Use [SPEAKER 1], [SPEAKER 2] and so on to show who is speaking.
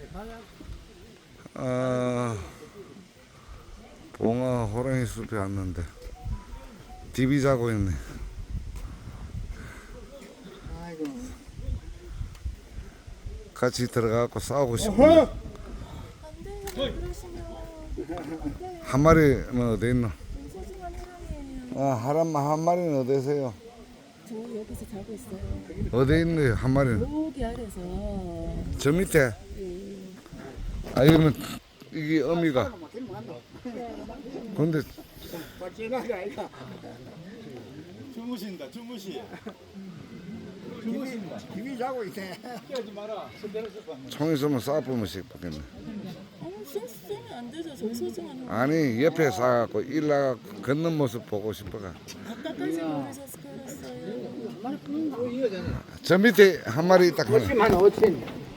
[SPEAKER 1] 봉화 호랑이 숲에 왔는데 디비 자고 있네.
[SPEAKER 2] 아이고.
[SPEAKER 1] 같이 들어가고 싸우고 싶어.
[SPEAKER 3] 안 돼요. 그러시면
[SPEAKER 1] 한 마리는 어디 있노?
[SPEAKER 3] 소중한 사람이에요.
[SPEAKER 1] 한 마리는 어디세요?
[SPEAKER 3] 저 여기서 자고 있어요.
[SPEAKER 1] 어디 있네요? 한 마리는
[SPEAKER 3] 여기 아래서.
[SPEAKER 1] 저 밑에.
[SPEAKER 3] 예.
[SPEAKER 1] 이러면 이게 어미가. 근데
[SPEAKER 4] 주무신다, 주무시.
[SPEAKER 2] 김이 자고 있네.
[SPEAKER 4] 깨지 마라. 손대는 습관.
[SPEAKER 1] 총 있으면 싸보면 싶겠네.
[SPEAKER 3] 쏘면 안 되죠. 저희 소중한 사람.
[SPEAKER 1] 아니 옆에 싸갖고 일나가 걷는 모습 보고 싶어가.
[SPEAKER 3] 아까까지 모르셔서 그랬어요.
[SPEAKER 1] 저 밑에 한 마리 딱 하나.
[SPEAKER 2] 50만 5천.